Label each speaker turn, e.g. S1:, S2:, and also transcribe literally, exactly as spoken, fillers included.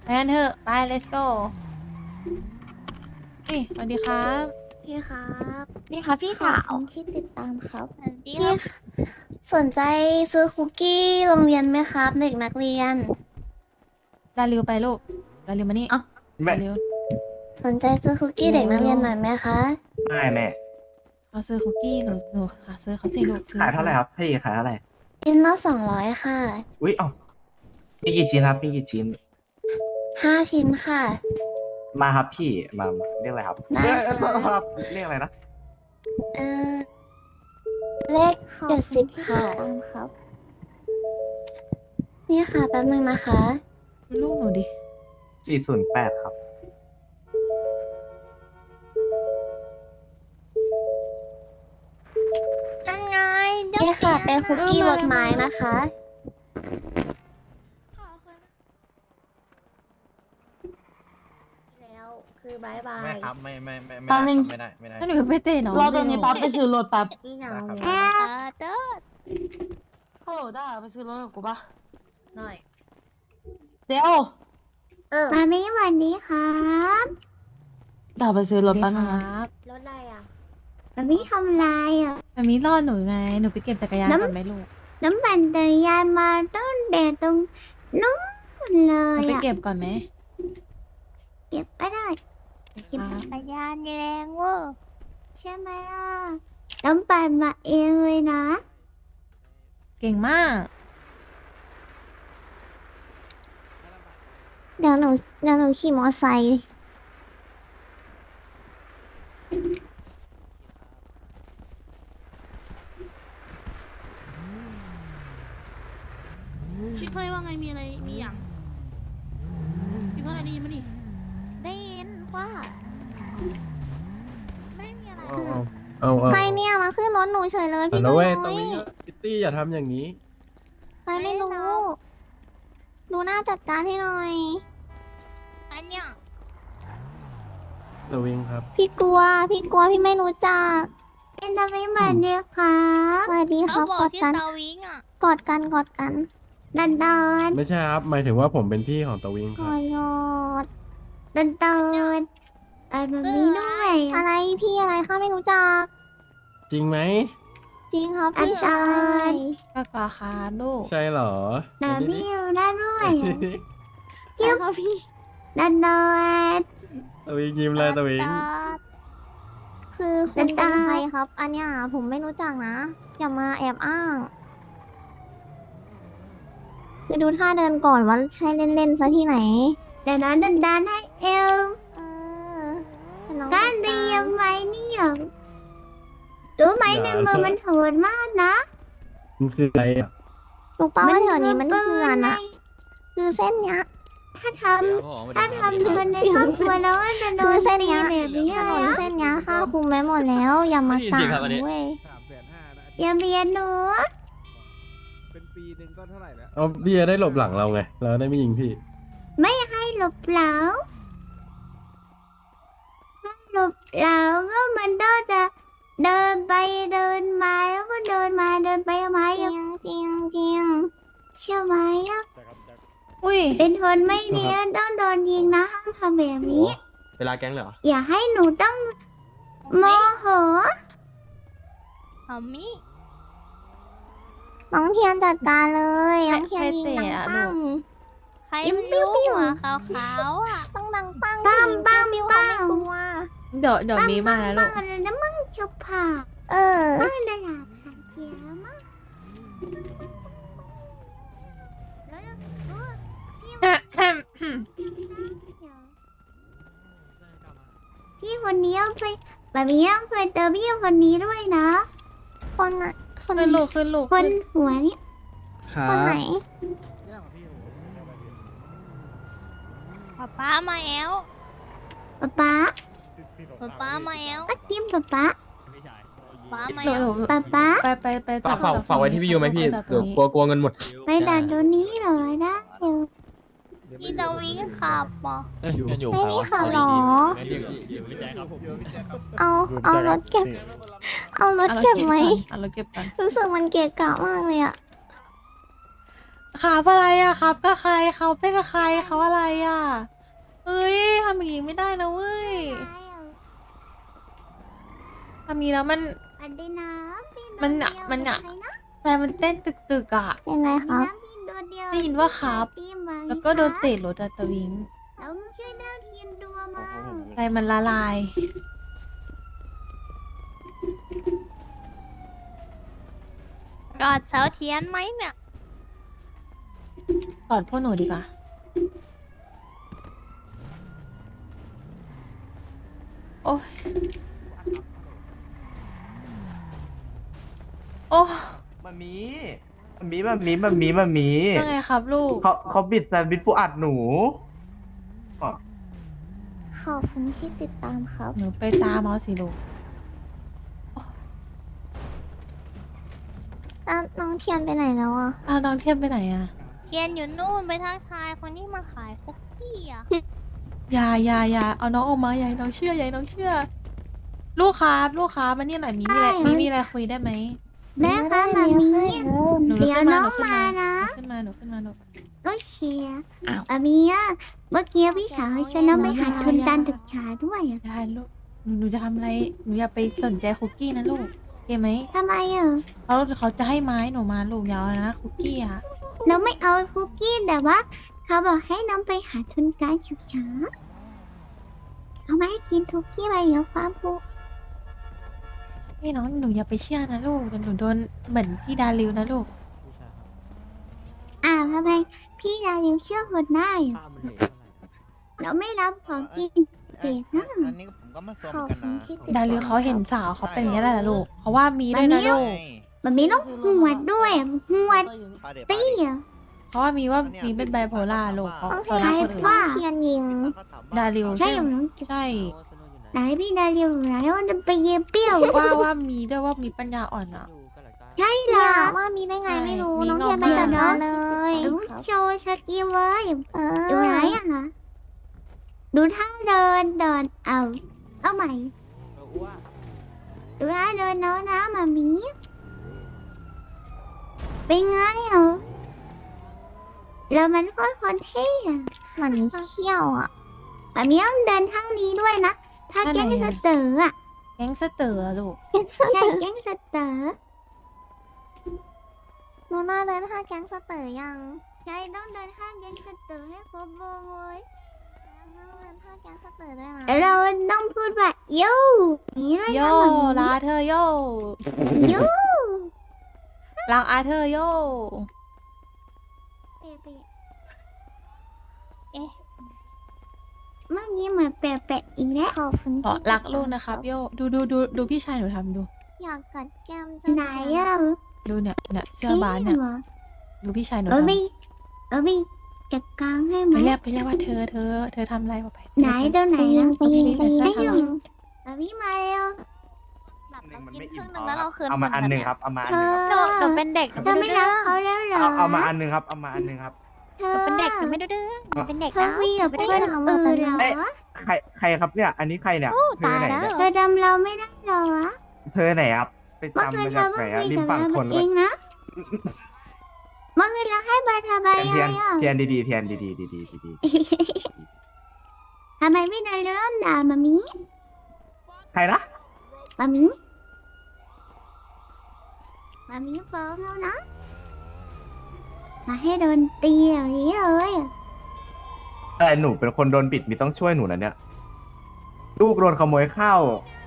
S1: ไปกันเถอะไป let's go นี่สวัสดีครับ
S2: พี่ครับ
S3: นี่ค่ะพี่
S2: ขอบ
S3: สาว
S2: คุณที่ติดตามครับ
S3: สวัสดีค
S2: พี่
S3: รับ
S2: สนใจซื้อคุกกี้โรงเรียนไหมครับ เด็กนักเรียน
S1: ดาริวไปลูกดาริวมานี่
S2: อ๋อ
S1: ดาริว
S2: สนใจซื้อคุกกี้เด็กนักเรียนหน่อยไหมคะ
S4: ไม่แม่
S1: เขาซื้อคุกกี้หนูหนูค่ะซื้อเขาสิลูกซื้อ
S4: ขายเท่าไหร่ครับพี่ขายเท่าไหร่
S2: ชิ้นละสองร้อยค่ะ
S4: อุ้ยเอ้ามีกี่ชิ้นครับมีกี่ชิ้น
S2: ห้าชิ้นค่ะ
S4: มาครับพี่มามาเรียกอะไรครับ
S2: ได้
S4: เอ้ย
S2: ค่ะ
S4: เอ้ยครับเรียกอะไรนะ
S2: เออเลขเจ็ดสิบค่ะตามครับ นี่ค่ะแป๊บนึงนะคะ
S1: ลูกหนูดิ
S4: สี่ศูนย์แปดครับ
S3: ยังไงเดี๋ยว
S2: นี่ค่ะ
S3: ปลี่
S2: เป็นคุกกี้รสไม้นะคะ
S3: ขอบคุณ
S2: แล้วคือบายบาย
S5: ไม่ครับ ไม่ไม่ไม่ไม่
S6: แป๊บนึง
S5: ไม่ได้ไม่ได้
S1: ถ้าหนูไปเตะน้อง
S6: รอตรงนี้แป๊บไปซื้อรถแป๊บ
S2: นี่เหงา
S5: ได้ครับ
S3: เออเด้อ
S6: ฮัลโหลได้ไปซื้อรถกับกูปะ
S1: หน่อย
S6: เดี๋ยว
S2: เออมาไม่วันนี้ครับ
S6: ได้ไปซื้อรถ
S1: ดี
S6: แป๊บ
S1: ค
S6: นึง
S1: รั
S6: นะ
S1: บ
S2: รถอะไรอ่ะมาไม่ทำลายอ่ะ
S1: แบบนี้รอดหนูไงหนูไปเก็บจักรยาน
S2: น้ำ
S1: ก่อนไหมลูก
S2: น้ำปั่นจักรยานมาต้นแดดตรงนู้นเล
S1: หนู
S2: ย
S1: ไป
S2: อ่ะ
S1: เก็บก่อนไหม
S2: เก็บไม่ได้เก็บ
S1: ครับ
S3: จักรยานแรงเวอร์
S2: ใช่ไหมล่ะน้ำปั่นมาเองเลยนะ
S1: เก่งมาก
S2: เดี๋ยวหนูเดี๋ยวหนูขี่มอไซค์
S7: พี่เพื่อนว่าไงมีอะไรมีอย่างพี่เพื่อนอะไรได้ยินมั้ยดิ
S3: ได้ยินว่าไม่มีอะไร
S8: เอาเอาเอาเอา
S2: ใครเนี่ยมาขึ้นรถหนูเฉยเลย
S8: เอา
S2: พี่
S8: นะ
S2: น้อ
S8: เว้ย
S2: ย
S8: ตรงนี้พิตตี้อย่าทำอย่างนี้
S2: ใครไม่รู้ดูหน้าจัดการให้หน่อย
S3: อันเนี้ย
S8: เดวิงครับ
S2: พี่กลัว พี่กลัวพี่ไม่รู้จักเป็นทำไมมาเดียครับสวัสดีค
S3: เขา
S2: รับ
S3: บอก
S2: กอด
S3: ที่
S2: กัน
S3: ตาวิงอ่ะ
S2: กอดกันกอดกันดันดอน
S8: ไม่ใช่ครับ หมายถึงว่าผมเป็นพี่ของตะวิง
S2: ก
S8: ครั
S2: อบ ดกอดดันดอนอะไรแบบนี้ด้วยอะไรพี่อะไรข้าไม่รู้จัก
S8: จริงไหม
S2: จริงครับพี่ชาย
S1: ก็กว่าครับลูก
S8: ใช่เหรอ
S2: แต่
S8: เดี๋ยว
S2: พี่
S8: นี้
S2: รู้ได้ด้วย
S8: ดิ
S2: เชื่อครับพี่ดันดอน
S8: ตะวิงยิ้มเลยตะวิง
S2: คือคุณเป็นใครครับ อันเนี้ยผมไม่รู้จักนะ อย่ามาแอบอ้าง คือดูท่าเดินก่อนว่าใช่เล่นๆซะที่ไหน เดี๋ยวนะดันดันให้เอวเออด้านดียังไงเนี่ยรู้ไหมในมือมันโหดมากนะ
S8: มันคืออะไรอ่ะ
S2: ลูกเป้าว่าแถวนี้มันเพื่อนอะคือเส้นเนี้ย ถ้าทำถ้าทำคนในครอบครัวแล้วมันจะโดนเส้นเนี้ยแบบนี้ถนนเส้นเนี้ยค่าคุมไว้หมดแล้ว อย่ามากางเว้ยอย่าเบียดหนู
S9: เป็นปีหนึ่งก็เท่าไหร่แล้ว
S8: เอาพี่จะได้หลบหลังเราไง เราได้ไม่ยิงพี่
S2: ไม่ให้หลบเหลาถ้าหลบเหลาก็มันก็จะเดินไปเดินมาแล้วก็เดินมาเดินไปมาจริงจริงจริงเชื่อไหมอะ
S1: อุ้ย
S2: เป็นคนไม่ดีต้องโดนยิงนะห้ามทำแบบนี้
S5: เวลาแก๊งเหรอ
S2: อย่าให้หนูต้องโมโห
S3: เอามิ
S2: น้องเทียนจัดการเลย
S1: ใคร
S2: น้องเทียนยิง
S1: ใคร
S2: ดัง
S1: เตะอะ
S2: ปัง
S1: ลูก
S3: ใคร
S2: ยิ้ม
S3: ไม่
S2: ปิ้ว
S3: รู้
S2: ปิ้ว
S3: หัวขาวๆอ่ะ
S2: ต้องดังปังปังปังปิ้วปังกลัว
S1: เดี๋ยวเดี๋ยวมีมาแล้วลู
S2: ปั
S1: ก
S2: งอะไรนะมึงชุบผ่าเออไม่ได้หลับค่ะเสียมากพี่คนนี้เอาไปแบบนี้เอาไปเจอพี่คนนี้ด้วยนะ คนน่ะคน
S1: ขึ้นลูกขึ้นลูก
S2: คนหัวนี่
S9: ครับ
S2: คนไหน
S3: ป๊าป๊ามาแอล
S2: ป๊าป๊า
S3: ป๊าป๊ามาแอล
S2: ป้าจิ้มป๊าป๊า
S3: ป๊ามา
S1: หนู
S3: แอ
S1: ห
S3: ล
S1: นู
S2: ป๊าป๊า
S1: ไปไปไป
S5: ฝากฝากฝากไว้ที่พี่ยูไหมพี่
S1: จับตร
S5: เดี๋ยว
S1: งนี้
S5: กลัวกลัวเงินหมด
S2: ไปด่านตัวนี้เหรอได้เดี๋ยว
S3: พี่ตาวิงขับปะ
S2: ไม่มีขับหรอ เอาเอารถเก็บ เอารถ
S1: เอารถ
S2: เก็บไหม
S1: เอารถเก็บก่อน
S2: รู้สึกมันเกะกะมากเลยอะ
S1: ขขาบอะไรอ่ะครับก็ใครเขาเป็นกับใครเขาอะไรอ่ะเอ้ยทำอย่างนี้ไม่ได้นะเว้ยทำอย่างนี้แล้วมัน
S2: อันดีนะพี่
S1: มันอะมันอะ แต่มันเต้นตึกๆอ่ะ
S2: เป็นไรครับ
S1: ได้ยินว่าครับ แล้วก็โดนเตะรถอะตะวิง
S2: แล้วช่วยดาวเทียนดัวมา
S1: ใจมันละลาย
S3: กอดเสาเทียนไหมเนี่ย
S1: กอดพวกหนูดีกว่า โอ้ยโอ้
S4: มันมีมันมีมันมีมันมีมันมี
S1: ยังไงครับลูก
S4: เขาเขาบิดแซนด์วิชปูอัดหนูอ๋อ
S2: ขอบคุณที่ติดตามครับ
S1: หนูไปตามเอาสิลูก
S2: แล้วน้องเทียนไปไหนแล้วอ่ะ
S1: อ้าวน้องเทียบไปไหนอะ
S3: เทียนอยู่นู่นไปทักทายคนที่มาขายคุกกี้อ่ะ
S1: อย่าอย่าอย่าเอาน้องออกมาอย่าให้น้องเชื่ออย่าให้น้องเชื่อ ลูกครับลูกครับมานี่หน่อยมีมีอะไรมีมีอะไรคุยได้ไหม
S2: แม่คะมามี
S1: หนูลุก
S2: เดี๋ยว
S1: ขึ้นมา
S2: น้
S1: ห
S2: อ
S1: นู
S2: ง
S1: ขึ้น
S2: มา
S1: มา
S2: นะ
S1: หนูขึ้นมาหนูขึ้นมาหนู
S2: ก็เชียร์อามีอ่ะเมื่อกี้พี่สาวให้ฉันต้องไปหาทุนการศึกษาด้วยอ่ะ
S1: ได้ลูกหนูหนูจะทำอะไรหนูอย่าไปสนใจคุกกี้นะลูกโอเคไหม
S2: ทำไมอ่ะ
S1: เขาเขาจะให้ไม้หนูมาลูกยาวนะคุกกี้อะ
S2: น้องไม่เอาคุกกี้แต่ว่า เขาบอกให้น้องไปหาทุนการศึกษาเขาไม่ให้กินคุกกี้ไปเดี๋ยวฟ้าพู
S1: ให้น้องหนูอย่าไปเชื่อนะลูกเดี๋ยวหนูโดนเหมือนพี่ดาริวนะลูก
S2: อ่าทำไมพี่ดาริวเชื่อคนได้อ่ะเราไม่รับของกินเด็กนะ
S5: อันนี้ผมก็มาซ้อม
S2: ขอบ
S5: กัน
S2: คุณ
S5: นะ
S2: ที่ติด
S1: ดาริวเขาเห็นสาวเขาเป็นอย่างนี้แหละลูกเพราะว่ามีด้วยนะลูก
S2: มันมีต้องหวดด้วยอะหวดตี้อ่ะ
S1: เพราะว่ามีว่ามีเป็นไบโพล่าลูกเขา
S2: ต้อง
S1: เขา
S2: ใช้
S1: รักคนอื่น
S2: ว่าเทียนยิง
S1: ดาริว
S2: ใช่ไหม
S1: ใช่
S2: ไหนพี่ดาริวไหนว่าจะไปเย็บเปรี้ยว
S1: ว่าว่ามีด้วยว่ามีปัญญาอ่อนอ่ะ
S2: ใช่เหรอว่ามีได้ไงไม่รู้
S1: ใช่
S2: น้อง
S1: มี
S2: เทียนไป
S1: น้อง
S2: จัด
S1: เทียน
S2: การเลยโชว์สกิลไว้เออดูไหนอ่ะดูท่าเดินเดินเอาเอาใหม่ดูท่าเดินน้องนะมามีเป็นไงอ่ะแล้วมันก็คนเท่อะมันเขี้ยวอ่ะแบบนี้ต้องเดินทางนี้ด้วยนะ ถ้าแก๊งสเตอร์อ่ะ
S1: แก๊งสเตอร์อะลูก
S2: ใช่แก๊งสเตอร์โนน่าเดินท่าแก๊งสเตอร์ยังใช่ต้องเดินท่าแก๊งสเตอร์ให้ครบวงเลยต้องเดินท่าแก๊งสเตอร์ด้วยนะเราต้องพูดว่าโย่นี่ด้วย
S1: โย
S2: นะ
S1: ลาเธอโย
S2: โย่
S1: รักอาเธอโย
S2: เปะเปะ
S3: เอ๊ะ
S2: เมื่อกี้เหมือนแปะแปะอีกแล้วขอบคุณ
S1: ขอรักลูกนะครับโยดูดูดูดูพี่ชายหนูทำดู
S2: อยากกัดแก้มจังไหนอ่ะ
S1: ดูเนี่ยเนี่ยเสื้อบานเนี่ย
S2: หรอ
S1: ดูพี่ชายหนู
S2: เออ
S1: ทำ
S2: ไปเออไปจัดการให้ไหม
S1: ไปเรียกไปเรียกว่าเธอเธอ เธอทำอะไรบอกไป
S2: ไหนเดี๋ยวไหนอะ
S1: ไปยิงไปยิง
S2: ไป
S1: ไปยิ
S2: ยิ
S1: ง
S2: งเอาพี่มาเร็ว
S3: แบบ
S4: หนึ่
S3: เรา
S4: งมัน
S3: กิน
S4: ไม่
S3: ค
S4: อิ่
S3: รึ่
S4: ม
S3: งห
S4: พ
S3: นึ่
S4: อง
S3: แล้วเราคืน
S4: เอามาอันหนึ่งครับเอามาอันหนึ่งครับ
S3: หนูหนูเป็นเด็กหนู
S2: เธอ
S3: ไม่
S2: ไม่
S3: ดื้
S2: รั
S3: อก
S2: เขาแล้วเหรอ
S4: เอาเอามาอันหนึ่งครับเอามาอันหนึ่งครับ
S2: เธ
S3: ห
S2: อ
S3: นูเป็นเด็กหนูไม่ดื้อหนูเป็นเด็ก
S2: เธอ
S3: นะ
S2: คุยกับเพื่อนอื่นเหรอ
S4: เอ๊ะ ใครใครครับเนี่ย อันนี้ใครเนี่ยเธอ
S3: ตาย
S4: ไหน
S3: แล้ว
S4: เนี่ย
S2: เธอจำเราไม่ได้เหรอวะ
S4: เธอไหนครับไป
S2: เมื่อ
S4: จำ
S2: คืน
S4: มา
S2: เธ
S4: จาก
S2: อ
S4: ไหน
S2: เพิ่งคุ
S4: อะ
S2: ย
S4: ริม
S2: กับ
S4: ฝั่ง
S2: เรา
S4: ทน
S2: เองนะเมื่อคืนเราให้มาทำไม
S4: เทียน
S2: อะ
S4: เทียนเทียนดีๆเทียนดีๆดีๆดี
S2: ทำไมไม่ได้เริ่มด่ามามี
S4: ๆใครนะ
S2: มามีมามีฟ้องแล้วนะ มาให้โดนตีอย่างนี้เลยอะ
S4: อะไรหนูเป็นคนโดนบิดมีต้องช่วยหนูนะเนี่ย ลูกโดนขโมยข้าว